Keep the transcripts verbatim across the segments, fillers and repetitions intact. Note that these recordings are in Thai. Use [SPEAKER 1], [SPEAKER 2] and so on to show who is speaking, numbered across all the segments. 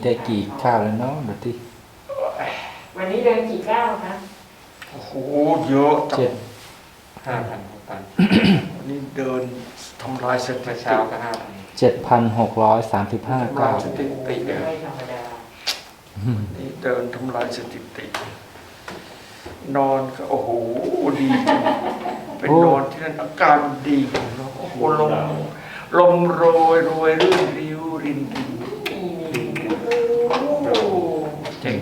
[SPEAKER 1] ได้กี่ข้าวแล้วเนาะดูที่
[SPEAKER 2] วันนี้เดินกี่ก้าวคะ
[SPEAKER 3] โอ้โหเยอะจั
[SPEAKER 1] เจ็ด
[SPEAKER 3] ง
[SPEAKER 4] ห้าพันหกพัน
[SPEAKER 3] วันนี้เดินทำลายสถิ
[SPEAKER 4] เมื่อ
[SPEAKER 3] ติ
[SPEAKER 4] เช้าก็ห้าพัน
[SPEAKER 1] เจ็ดพันหกร้อยสามสิบห้า
[SPEAKER 3] ทำลา
[SPEAKER 1] ก้าย ว
[SPEAKER 3] สถิติ
[SPEAKER 2] ไม่ธรรมดา
[SPEAKER 3] นี่เดินทำลายสถิติ นอนก็โอ้โหดีจังเป็นนอนที่นั่นอาการดีเนาะโอ้โหลมลมโรยโรยรื่นริ้วรินริน
[SPEAKER 4] เจ๋ง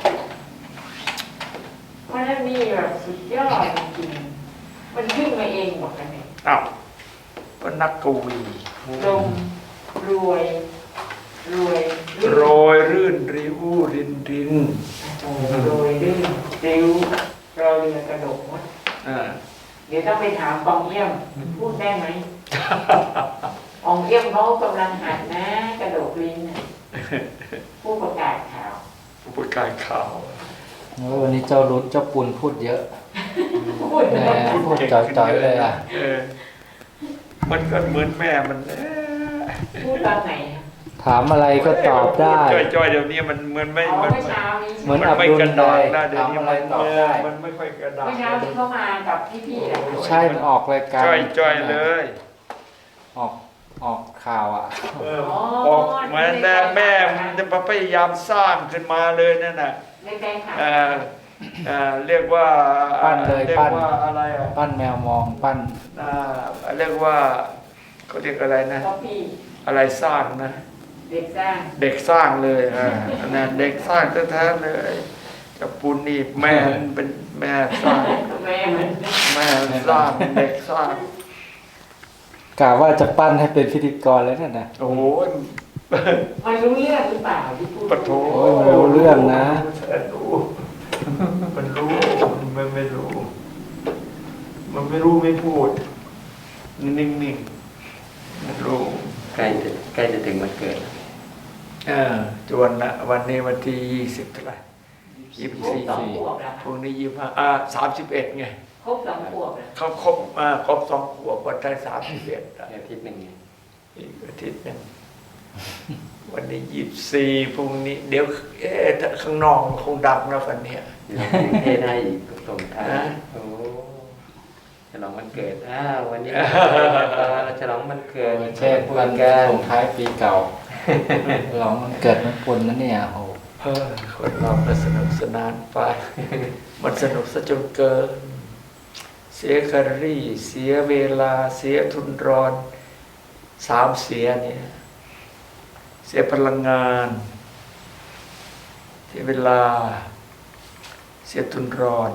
[SPEAKER 2] วันนั้นนี่แบบสุดยอดจริงๆมันขึ้นมาเองหมดเลยเนี่ย
[SPEAKER 3] อ้าวเป็นนักกวี
[SPEAKER 2] ลมรวยรวย
[SPEAKER 3] โรยรื่นริ้วรินริน
[SPEAKER 2] โรยดื้อริ้วรอเรือกระดกมด
[SPEAKER 3] อ่า
[SPEAKER 2] เดี๋ยวต้องไปถามปองเยี่ยมพูดได้ไหมปองเยี่ยมเขากำลังหัดนะ กระดกลิ้นน่ะผู้ประกาศข่าว
[SPEAKER 3] ผู้ประกาศข่าว
[SPEAKER 1] แล้ววันนี้เจ้ารุดเจ้าปุนพูดเยอะ
[SPEAKER 2] พูด
[SPEAKER 1] แหมพูดจ่อยๆเลยอ่ะ
[SPEAKER 3] เออมันก็เหมือนแม่มันแหละ
[SPEAKER 2] พูดตอนไหนอะ
[SPEAKER 1] ถามอะไรก็ตอบได้
[SPEAKER 3] จ้อยๆเดี๋ยวนี้มันเหมือนไม่
[SPEAKER 2] อ๋อ
[SPEAKER 3] มัน
[SPEAKER 2] เมื่อเช้านี้
[SPEAKER 1] เหมือน
[SPEAKER 3] มัน
[SPEAKER 1] อับ
[SPEAKER 3] ไม่
[SPEAKER 1] ดุล
[SPEAKER 3] กระ
[SPEAKER 1] เล
[SPEAKER 3] ดาก
[SPEAKER 1] ย
[SPEAKER 3] นะเดี๋ยว
[SPEAKER 1] ถาม
[SPEAKER 3] นี้
[SPEAKER 1] อะไร
[SPEAKER 3] มัน
[SPEAKER 1] ตอบ
[SPEAKER 3] เอ
[SPEAKER 1] ได้
[SPEAKER 3] อมันไม่ค่อยกระดาก
[SPEAKER 2] เมื่อเช้าที่เขามากับพี่ๆอะ
[SPEAKER 1] ใช่มันออกรายการ
[SPEAKER 3] จ้อยๆเลย
[SPEAKER 1] ออกออกข่าวอ่ะ
[SPEAKER 3] เออออกมาแน่แม่มันจะพยายามสร้างขึ้นมาเลยนั่นน่ะ
[SPEAKER 2] ในแฟนคลับ
[SPEAKER 3] เออเออเรียกว่า
[SPEAKER 1] ปั้นเลย
[SPEAKER 3] เรียก
[SPEAKER 1] ปั้น
[SPEAKER 3] ว่าอะไรอ่ะ
[SPEAKER 1] ปั้นแมวมองปั้น
[SPEAKER 3] อ่าเรียกว่าเขาเรียกอะไรนะ
[SPEAKER 2] ก็พี่
[SPEAKER 3] อะไรสร้างนะ
[SPEAKER 2] เด็กสร้าง
[SPEAKER 3] เด็กสร้างเลยอ่านะเด็กสร้างแท้ๆเลยกับปุณนี่แม่เป็นแม่สร้าง
[SPEAKER 2] แม่มัน
[SPEAKER 3] แม่สร้างเด็กสร้าง
[SPEAKER 1] กะว่าจะปั้นให้เป็นพิธีกรแล้วนั่นนะ
[SPEAKER 3] โอ้ย
[SPEAKER 2] มันรู้เรื่องหรือเปล่าที่พูด
[SPEAKER 3] ปะโถ
[SPEAKER 1] โอ้ยมันรู้เรื่องนะ
[SPEAKER 3] มันรู้มันรู้มันไม่รู้ มันไม่รู้ไม่พูดนิ่งๆมันรู้
[SPEAKER 4] ใกล้จะใกล้จะถึงวันเกิดแล้ว
[SPEAKER 3] เออจวนละวันนี้วันที่ยี่สิบเท่าไหร่ยี่สิบ
[SPEAKER 2] ครบ
[SPEAKER 3] สี่
[SPEAKER 2] สองขวบแล้ว
[SPEAKER 3] พรุ่งนี้ยี่สิบห้าอ่าสามสิบเอ็ดไง
[SPEAKER 2] ครบสองขวบแล้ว
[SPEAKER 3] เขาครบอ่าครบสองขวบวันที่สามสิบเอ็ด
[SPEAKER 4] อาทิตย์หนึ่งไง
[SPEAKER 3] อีกอาทิตย์หนึงวันนี้ยี่สิบสี่พรุ่งนี้ เดี๋ยวเอ๊ะถ้าข้างนอกมันคงดังแล้วกันเนี่ย
[SPEAKER 4] เทศให้อีกส่งท้าย
[SPEAKER 3] นะ
[SPEAKER 4] โอ้ฉลองวันเกิดอ้าววันนี้วันเกิดฉลองวันเกิด
[SPEAKER 1] เช่น
[SPEAKER 4] พู
[SPEAKER 1] วั
[SPEAKER 4] ด
[SPEAKER 1] น
[SPEAKER 4] กัน
[SPEAKER 1] ส่งท้ายปีเก่าหลองมันเกิดมันปุนนะเนี่ยโอ้
[SPEAKER 3] เออคนเราก็สนุกสนานไป มันสนุกซะจนเกิน เสียแคลอรี่ เสียเวลา เสียทุนร้อน สามเสียเนี่ย เสียพลังงาน เสียเวลา เสียทุนร้อน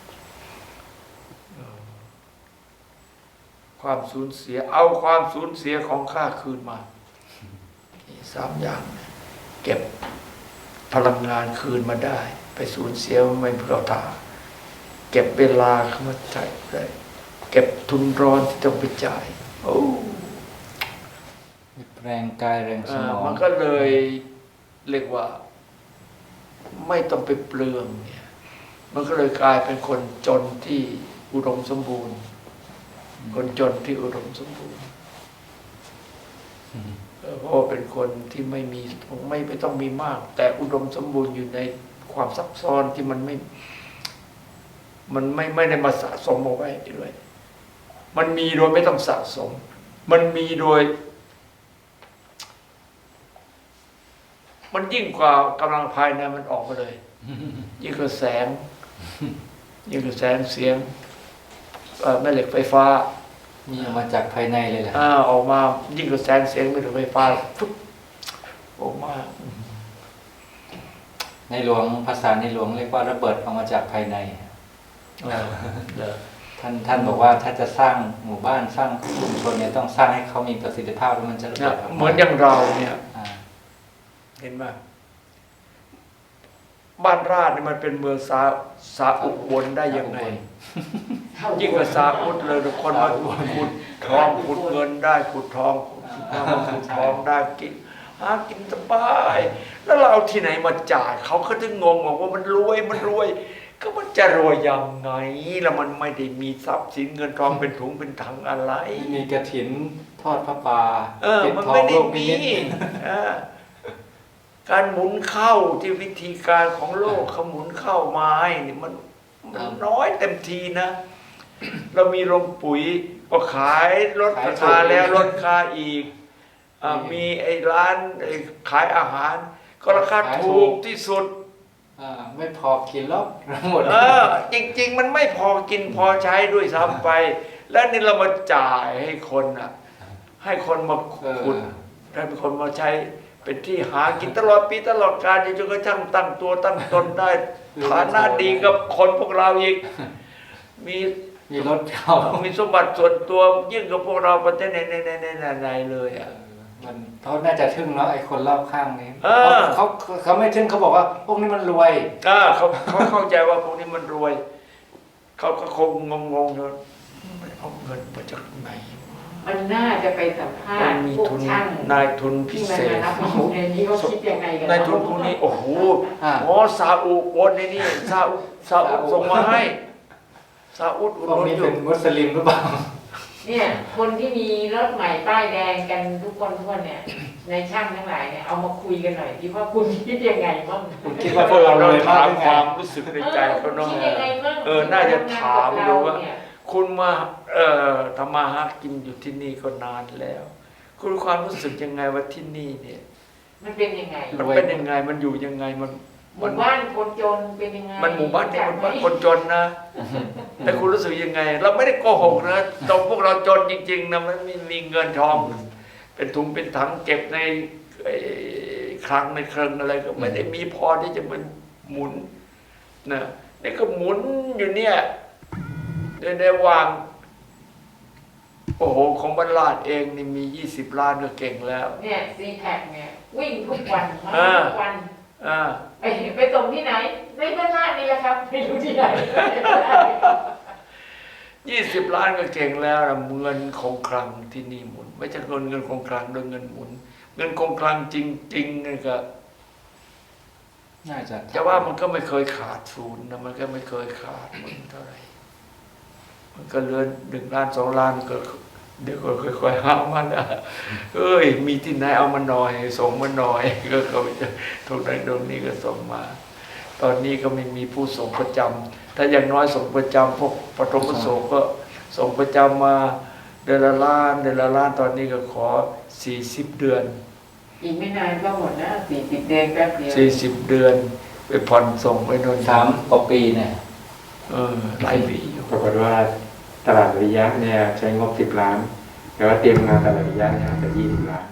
[SPEAKER 3] ความสูญเสีย เอาความสูญเสียของข้าคืนมานี่สามอย่าง เก็บพลังงานคืนมาได้ ไปสูญเสียไม่เพื่อตาเก็บเวลาเข้ามาใช้ได้เก็บทุนร้อนที่ต้องไปจ่ายโอ้
[SPEAKER 1] แรงกายแรงส
[SPEAKER 3] อ่าม
[SPEAKER 1] อง
[SPEAKER 3] มันก็เลยเรียกว่า ไม่ต้องไปเปลืองเนี่ย มันก็เลยกลายเป็นคนจนที่อุดมสมบูรณ์ คนจนที่อุดมสมบูรณ์เออเพราะว่าเป็นคนที่ไม่มีไม่ไม่ต้องมีมาก แต่อุดมสมบูรณ์อยู่ในความซับซ้อนที่มันไม่ มันไม่ไม่ได้มาสะสมเอาไว้ด้วย มันมีโดยไม่ต้องสะสม มันมีโดย มันยิ่งกว่ากำลังภายในมันออกมาเลย ยิ่งกว่าแสง ยิ่งกว่าแสงเสียงเอ่อแม่เหล็กไฟฟ้า
[SPEAKER 1] มีออกมาจากภายในเลยแหละ
[SPEAKER 3] อ่าออกมา ยิ่งกว่าแสงเสียงแม่เหล็กไฟฟ้าฟึ๊บออกมา
[SPEAKER 1] ในหลวงภาษาในหลวงเรียกว่าระเบิดออกมาจากภายใน
[SPEAKER 3] เออเหรอ
[SPEAKER 1] ท่านท่านบอกว่าถ้าจะสร้างหมู่บ้านสร้างชุมชนเนี่ยต้องสร้างให้เขามีประสิทธิภาพแล้วมันจะระ
[SPEAKER 3] เนี่
[SPEAKER 1] เบิ
[SPEAKER 3] ย
[SPEAKER 1] ดออกมา
[SPEAKER 3] เหมือนอย่างเราเนี่ย
[SPEAKER 1] อ่า
[SPEAKER 3] เห็นไหมบ้านราชเนี่ยมันเป็นเมืองสาสาอุบลได้ยังไง ยิ่งกว่าสาอุดเลยคนมาขุดทองขุดเงินได้ขุดทองขุดขุดทองได้กินหากินสบาย แล้วเราเอาที่ไหนมาจ่ายเขาก็ถึงงงบอกว่ามันรวยมันรวย ก็มันจะรวยยังไงแล้วมันไม่ได้มีทรัพย์สินเงินทองเป็นถุงเป็นถังอะไร
[SPEAKER 1] มีกระถินทอดพระป่า
[SPEAKER 3] เออ
[SPEAKER 1] ปิด
[SPEAKER 3] มัน
[SPEAKER 1] ทอ
[SPEAKER 3] ไม่
[SPEAKER 1] ง
[SPEAKER 3] ได้
[SPEAKER 1] โลกนิ
[SPEAKER 3] มี
[SPEAKER 1] มิต
[SPEAKER 3] เออการหมุนเข้าที่วิธีการของโลกเขาหมุนเข้ามาให้นี่มันมันน้อยเต็มทีนะ เรามีโรงปุ๋ยก็ขายลดราคาแล้วลดราคาอีกอ่ามีไอ้ร้านไอ้ขายอาหาร ก็ราคาถูกที่สุด
[SPEAKER 1] อ่าไม่พอกินแล้วหมด
[SPEAKER 3] เออจริง ๆ มันไม่พอกินพอใช้ด้วยซ้ำไป แล้วนี่เรามาจ่ายให้คนอ่ะ ให้คนมาขุดให้คนมาใช้เป็นที่หากินตลอดปีตลอดกาลจนกระทั่งตั้งตัวตั้งตนได้ฐานะดีกับคนพวกเราอีกมี
[SPEAKER 1] มีรถเขา
[SPEAKER 3] มีสมบัติส่วนตัวยิ่งกับพวกเราประเทศในในในในในเลยอ่ะ
[SPEAKER 1] มันเขาน่าจะทึ่งเนาะไอ้คนรอบข้างนี้
[SPEAKER 3] เออ
[SPEAKER 1] เขาเขาเขาไม่ทึ่งเขาบอกว่า พวกนี้มันรวย
[SPEAKER 3] อ่าเขาเขาเข้าใจว่าพวกนี้มันรวย เขาก็คงงงๆอยู่มันเอาเงินมาจากไหน
[SPEAKER 2] มันน่าจะไปสัมภา
[SPEAKER 3] มั
[SPEAKER 2] ษ
[SPEAKER 3] น
[SPEAKER 2] ณ์
[SPEAKER 3] มี
[SPEAKER 2] พวก
[SPEAKER 3] ทุน
[SPEAKER 2] ช่าง
[SPEAKER 3] นายทุนพิ
[SPEAKER 2] ที่มัน
[SPEAKER 3] เศ
[SPEAKER 2] มา
[SPEAKER 3] ษ
[SPEAKER 2] รับอยู่ในนี้เขาคิดยังไงกัน
[SPEAKER 3] นายทุนพวกนี้โอ้โห
[SPEAKER 1] อ่า
[SPEAKER 3] อ๋อซาอุโอนในนี่ซาอุซาอุส่งมาให้ซาอุอุด
[SPEAKER 1] พวก
[SPEAKER 3] หนุน
[SPEAKER 1] นี้
[SPEAKER 3] อยู่
[SPEAKER 1] เป็นมุสลิมหรือเปล่า
[SPEAKER 2] เนี่ยคนที่มีรถใหม่ป้ายแดงกันทุกคนทุกคนเนี่ย ในช่างทั้งหลายเนี่ยเอามาคุยกันหน่อยที่ว่าคุณคิดยังไงบ้าง
[SPEAKER 1] คุณคิดว่าพวกเรารวยมาก
[SPEAKER 3] ถาม
[SPEAKER 1] หรือ
[SPEAKER 3] ค
[SPEAKER 1] ไง
[SPEAKER 3] วามรู้สึกในใจเขาเนาะ
[SPEAKER 2] คิดยังไงบ้าง
[SPEAKER 3] เออน่าจะถามดูว่า
[SPEAKER 2] เนี่ย
[SPEAKER 3] คุณมาเอ่อทำมาหากินอยู่ที่นี่ก็นานแล้ว คุณความรู้สึกยังไงว่าที่นี่เนี่ย
[SPEAKER 2] มันเป็นยังไง
[SPEAKER 3] มันเป็นยังไงมันอยู่ยังไงมัน
[SPEAKER 2] หมู่บ้านคนจนเป็นยังไง
[SPEAKER 3] มันหมู่บ้านเนี่ยมันบ้านคนจนนะ แต่คุณรู้สึกยังไง เราไม่ได้โกหกนะตรงพวกเราจนจริงๆนะมันไม่มีเงินทอง เป็นถุงเป็นถังเก็บในไอ้คลังในเครื่องอะไรก็ไม่ได้มีพอที่จะมันหมุนนะนี่ก็หมุนอยู่เนี่ยในในวาง โอ้โหของบรรลาดเองนี่มียี่สิบล้านก็เก่งแล้ว
[SPEAKER 2] เนี่ยซีแท็กเนี่ยวิ่งทุกวันมา
[SPEAKER 3] อ่า
[SPEAKER 2] ทุกวัน
[SPEAKER 3] อ่า
[SPEAKER 2] ไปไปส่งที่ไหนในบ้านลาดนี่แหละครับไม่รู้ที่ไหน
[SPEAKER 3] ยี่สิบล้านก็เก่งแล้วนะเงินคงคลังที่นี่หมุน ไม่ใช่เงินเงินคงคลังโดยเงินหมุน เงินคงคลังจริงๆนี่ก็
[SPEAKER 1] น่าจะ
[SPEAKER 3] จะว่ามันก็ไม่เคยขาดศูนย์นะมันก็ไม่เคยขาดมันเท่าไหร่มันก็เหลือหนึ่งล้านสองล้านก็ เดี๋ยวก็ค่อยๆหามันนะเอ้ยมีที่ไหนเอามาหน่อย ส่งมาหน่อย ก็เขาจะตรงนั้นตรงนี้ก็ส่งมา ตอนนี้ก็ไม่มีผู้ส่งประจำถ้าอย่างน้อยส่งประจำพวกปฐมประสงค์ก็ส่งประจำมาเดือนละล้านเดือนละล้านตอนนี้ก็ขอสี่สิบเดือน
[SPEAKER 2] อีกไม่นานก็หมดนะสี่สิบเดือนแป๊บเดียว
[SPEAKER 3] สี่สิบเดือนไปผ่อนส่งไปนนท์
[SPEAKER 1] สามกว่าปีเนี่ย
[SPEAKER 3] เออหลายปีอยู่
[SPEAKER 4] ปรากฏว่าตลาดวิริยะเนี่ยใช้งบสิบล้าน แต่ว่าเตรียมงานตลาดวิริยะเนี่ยอาจจะยี่สิบล้าน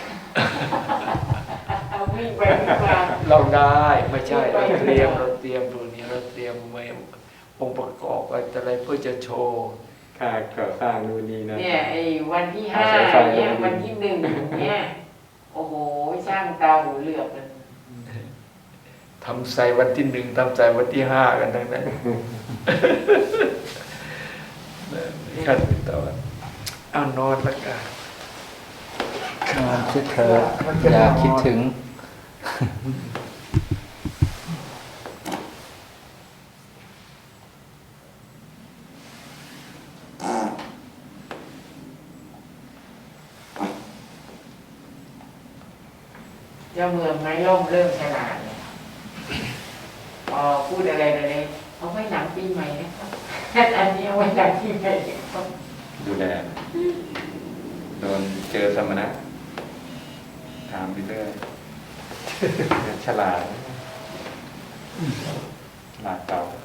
[SPEAKER 2] เอาวิ่งไปวิ่งมา
[SPEAKER 3] เราได้ไม่ใช่เราเตรียมเราเตรียมตัวนี้เราเตรียมไว้องค์ประกอบอะไรเพื่อจะโชว์
[SPEAKER 4] ค่าก่อสร้างนู่นนี่นั่น
[SPEAKER 2] เนี่ยไอ้วันที่ห้า
[SPEAKER 4] สายไฟ
[SPEAKER 2] เนี่ยวันที่หนึ่งเนี่ยโอ้โหช่างตาหูเหลือกเลย
[SPEAKER 3] ทำใส่วันที่หนึ่งทำใส่วันที่ห้ากันทั้งนั้นขั้นเป็นตอนเอานอนละกัน
[SPEAKER 1] นอนคิดเธออย่าคิดถึง
[SPEAKER 2] เจ้าเมืองไม้ล่มเริ่มฉลาดเลยพอพูดอะไรอะไรเอาไว้หลังปีใหม่นะครับอันนี้เอาไว้หลังปีใหม่นะครับ
[SPEAKER 4] ดูแลโดนเจอสมณะถามไปเรื่อยฉลาดฉลาดเก่า